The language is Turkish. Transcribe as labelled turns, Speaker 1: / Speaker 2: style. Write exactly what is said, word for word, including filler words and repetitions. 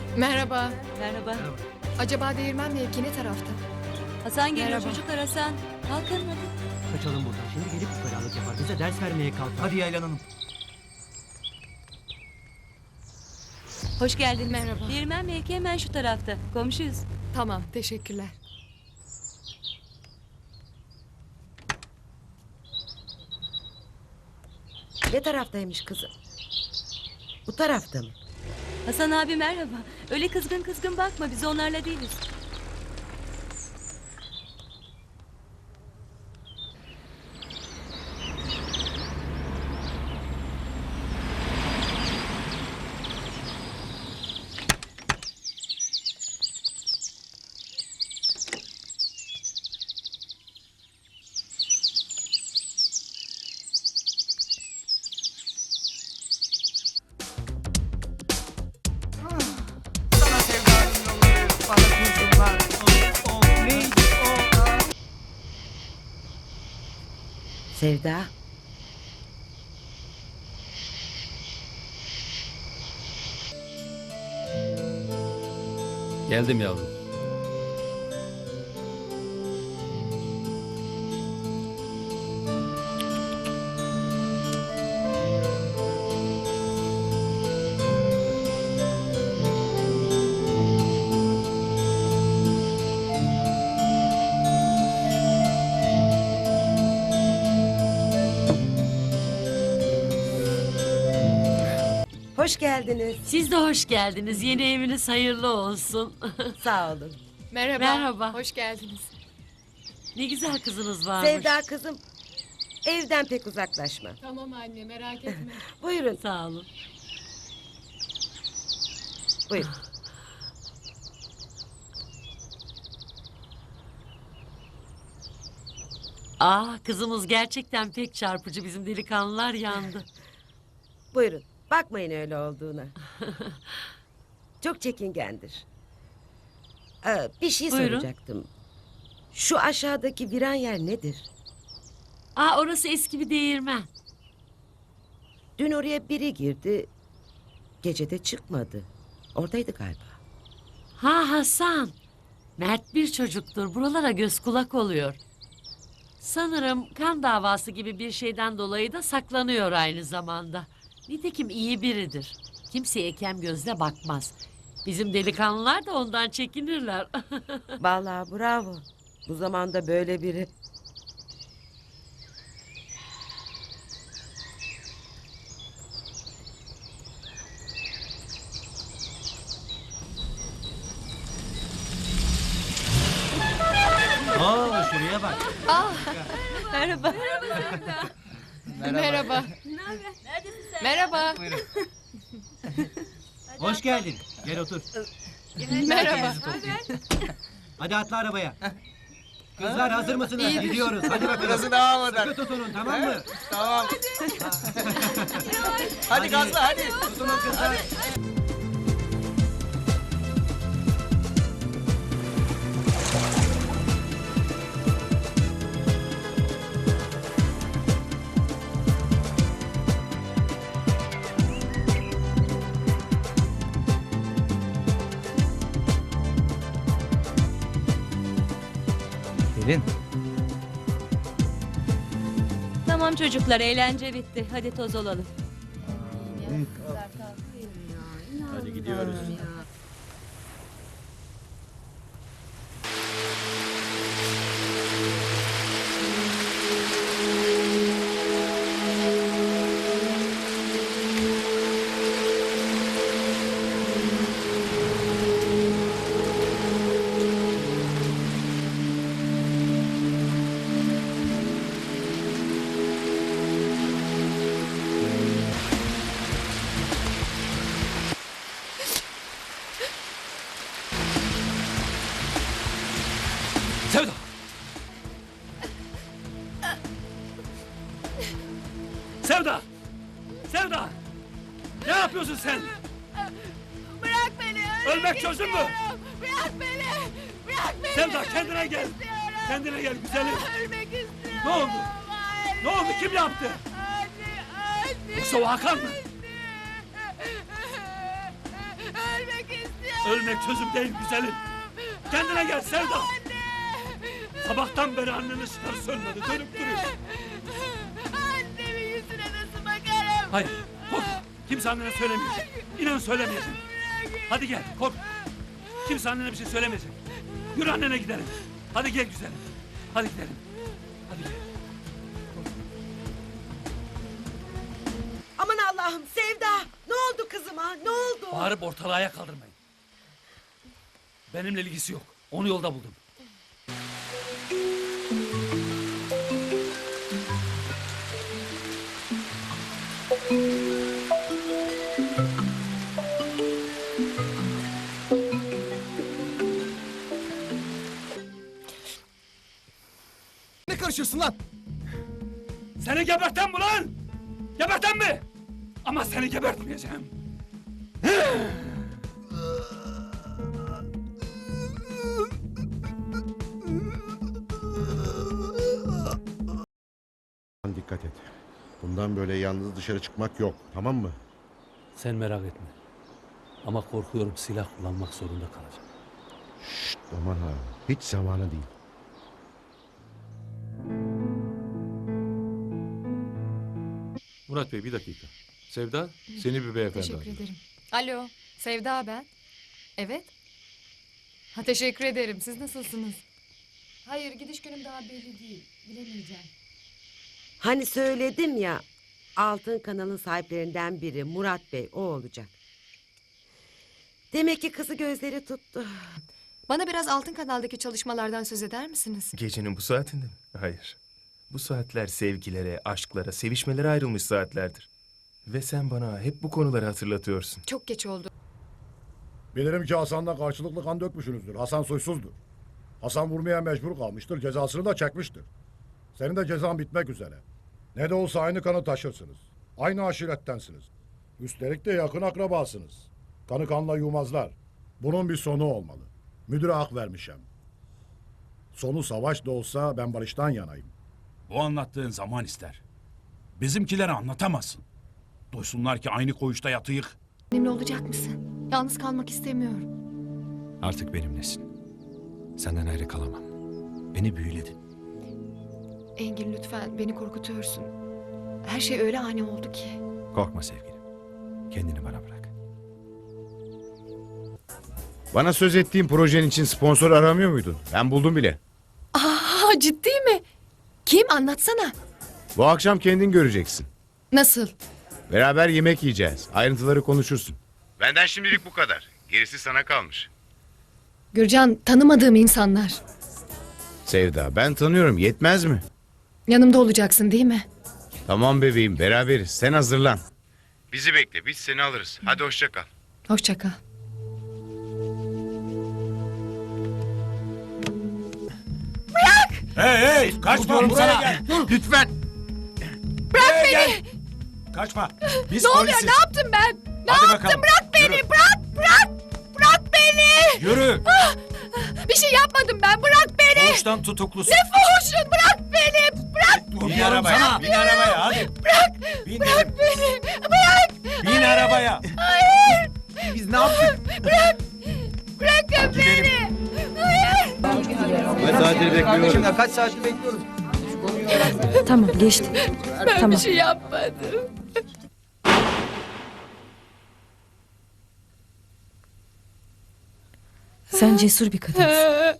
Speaker 1: Merhaba.
Speaker 2: Merhaba.
Speaker 1: Acaba değirmen mevki ne tarafta?
Speaker 2: Hasan geliyor
Speaker 1: Merhaba.
Speaker 2: çocuklar Hasan. Kalkın hadi.
Speaker 3: Kaçalım buradan. Şimdi gelip ukalalık yapar. Bize ders vermeye kalkar.
Speaker 4: Hadi Yaylan Hanım.
Speaker 2: Hoş geldin.
Speaker 1: Merhaba.
Speaker 2: Değirmen mevki hemen şu tarafta. Komşuyuz.
Speaker 1: Tamam, teşekkürler.
Speaker 5: Ne taraftaymış kızım? Bu tarafta mı?
Speaker 2: Hasan abi merhaba. Öyle kızgın kızgın bakma, biz onlarla değiliz.
Speaker 4: Sana sevdanın yolları, bana kurşunlar. O, o, neydi o?
Speaker 5: Sevda.
Speaker 6: Geldim yavrum.
Speaker 5: Hoş geldiniz.
Speaker 7: Siz de hoş geldiniz. Yeni eviniz hayırlı olsun.
Speaker 5: Sağ olun.
Speaker 1: Merhaba.
Speaker 7: Merhaba.
Speaker 1: Hoş geldiniz.
Speaker 7: Ne güzel kızınız varmış.
Speaker 5: Sevda kızım. Evden pek uzaklaşma.
Speaker 1: Tamam anne, merak etme.
Speaker 5: Buyurun.
Speaker 7: Sağ olun.
Speaker 5: Buyurun.
Speaker 7: Ah, kızımız gerçekten pek çarpıcı. Bizim delikanlılar yandı.
Speaker 5: Buyurun. Bakmayın öyle olduğuna. Çok çekingendir. Ee, bir şey
Speaker 7: Buyurun.
Speaker 5: soracaktım. Şu aşağıdaki viran yer nedir?
Speaker 7: Ah, orası eski bir değirmen.
Speaker 5: Dün oraya biri girdi. Gece de çıkmadı. Oradaydı galiba.
Speaker 7: Ha Hasan. Mert bir çocuktur. Buralara göz kulak oluyor. Sanırım kan davası gibi bir şeyden dolayı da saklanıyor aynı zamanda. Nitekim iyi biridir. Kimseye kem gözle bakmaz. Bizim delikanlılar da ondan çekinirler.
Speaker 5: Vallahi bravo. Bu zamanda böyle biri.
Speaker 3: Oo şuraya bak.
Speaker 2: Merhaba.
Speaker 1: Merhaba. Merhaba.
Speaker 4: Buyurun.
Speaker 3: Hoş geldin. Gel otur.
Speaker 1: Merhaba.
Speaker 3: Hadi atla arabaya. Kızlar hazır mısınız?
Speaker 1: İyidir.
Speaker 3: Gidiyoruz. Hadi bakalım.
Speaker 4: Burası daha havadan.
Speaker 3: Sıkı tutunun, tamam mı?
Speaker 4: Tamam. Hadi gazla hadi.
Speaker 3: Tutunun kızlar.
Speaker 4: Pelin.
Speaker 2: Tamam çocuklar, eğlence bitti. Hadi toz olalım.
Speaker 6: Hadi gidiyoruz. Sevda! Sevda! Sevda! Ne yapıyorsun sen?
Speaker 1: Bırak beni.
Speaker 6: Ölmek çözüm mü?
Speaker 1: Bırak beni. Bırak beni.
Speaker 6: Sevda kendine gel. Kendine gel güzelim.
Speaker 1: Ölmek istiyorum.
Speaker 6: Ne oldu? Ne oldu? Kim yaptı?
Speaker 1: Anne, anne.
Speaker 6: Yoksa o Hakan mı?
Speaker 1: Ölmek istiyorum.
Speaker 6: Ölmek çözüm değil güzelim. Kendine gel Sevda. Sabahtan beri annenin ışıkları sönmedi. Dönüp duruyor.
Speaker 1: Annemin yüzüne nasıl bakarım?
Speaker 6: Hayır korkma. Kimse annene söylemeyecek. İnan söylemeyecek. Hadi gel kork. Kimse annene bir şey söylemeyecek. Yürü annene gidelim. Hadi gel güzelim. Hadi gidelim. Hadi gel.
Speaker 5: Aman Allah'ım Sevda. Ne oldu kızıma? Ne oldu?
Speaker 6: Bağırıp ortalığı ayağa kaldırmayın. Benimle ilgisi yok. Onu yolda buldum.
Speaker 4: Ne karışıyorsun lan?
Speaker 6: Seni geberten mi lan? Geberten mi? Ama seni gebertmeyeceğim.
Speaker 8: Dikkat et. Bundan böyle yalnız dışarı çıkmak yok. Tamam mı?
Speaker 6: Sen merak etme. Ama korkuyorum silah kullanmak zorunda kalacağım.
Speaker 8: Şşt aman ha. Hiç zamanı değil.
Speaker 9: Murat Bey bir dakika. Sevda seni bir beyefendi
Speaker 10: Teşekkür
Speaker 9: arıyor.
Speaker 10: ederim. Alo, Sevda ben. Evet. Ha, teşekkür ederim. Siz nasılsınız? Hayır, gidiş günüm daha belli değil. Bilemeyeceğim.
Speaker 5: Hani söyledim ya. Altın kanalın sahiplerinden biri Murat Bey o olacak. Demek ki kızı gözleri tuttu.
Speaker 10: Bana biraz Altın Kanal'daki çalışmalardan söz eder misiniz?
Speaker 11: Gecenin bu saatinde mi? Hayır. Bu saatler sevgilere, aşklara, sevişmelere ayrılmış saatlerdir. Ve sen bana hep bu konuları hatırlatıyorsun.
Speaker 10: Çok geç oldu.
Speaker 12: Bilirim ki Hasan'la karşılıklı kan dökmüşsünüzdür. Hasan suçsuzdur. Hasan vurmaya mecbur kalmıştır. Cezasını da çekmiştir. Senin de cezan bitmek üzere. Ne de olsa aynı kanı taşırsınız. Aynı aşirettensiniz. Üstelik de yakın akrabasınız. Kanı kanla yumazlar. Bunun bir sonu olmalı. Müdüre hak vermişim. Sonu savaş da olsa ben barıştan yanayım.
Speaker 13: Bu anlattığın zaman ister. Bizimkilere anlatamazsın. Duysunlar ki aynı koğuşta yatıyık.
Speaker 10: Benimle olacak mısın? Yalnız kalmak istemiyorum.
Speaker 3: Artık benimlesin. Senden ayrı kalamam. Beni büyüledin.
Speaker 10: Engin lütfen beni korkutuyorsun. Her şey öyle ani oldu ki.
Speaker 3: Korkma sevgilim. Kendini bana bırak.
Speaker 8: Bana söz ettiğin projen için sponsor aramıyor muydun? Ben buldum bile.
Speaker 10: Aa, ciddi mi? Kim? Anlatsana.
Speaker 8: Bu akşam kendin göreceksin.
Speaker 10: Nasıl?
Speaker 8: Beraber yemek yiyeceğiz. Ayrıntıları konuşursun. Benden şimdilik bu kadar. Gerisi sana kalmış.
Speaker 10: Gürcan, tanımadığım insanlar.
Speaker 8: Sevda ben tanıyorum. Yetmez mi?
Speaker 10: Yanımda olacaksın değil mi?
Speaker 8: Tamam bebeğim beraberiz. Sen hazırlan. Bizi bekle. Biz seni alırız. Hadi hoşça kal.
Speaker 10: Hoşça kal.
Speaker 13: Hey hey kaçma buraya gel.
Speaker 8: Lütfen.
Speaker 10: Bırak beni!
Speaker 13: Kaçma. Biz
Speaker 10: Ne oluyor?
Speaker 13: polisiz.
Speaker 10: Ne yaptım ben? Ne
Speaker 13: Hadi
Speaker 10: yaptım?
Speaker 13: bakalım.
Speaker 10: Bırak beni!
Speaker 13: Yürü.
Speaker 10: Bırak! Bırak! Bırak beni!
Speaker 13: Yürü.
Speaker 10: Bir şey yapmadım ben. Bırak beni!
Speaker 13: Koğuştan tutuklusun.
Speaker 10: Ne fuhuşun? Bırak beni! Bırak!
Speaker 13: Bin arabaya. Bin arabaya hadi.
Speaker 10: Bırak!
Speaker 13: Bin
Speaker 10: Bırak
Speaker 13: dedim.
Speaker 10: beni! Bırak!
Speaker 13: Bin arabaya.
Speaker 10: Hayır!
Speaker 4: Biz ne yaptık?
Speaker 10: Bırak! Bırakın beni! Hayır!
Speaker 3: Kaç saattir bekliyorum.
Speaker 4: Ya kaç saattir bekliyoruz.
Speaker 2: Tamam geçti.
Speaker 10: Ben
Speaker 2: Tamam.
Speaker 10: bir şey yapmadım.
Speaker 2: Sen cesur bir kadınsın.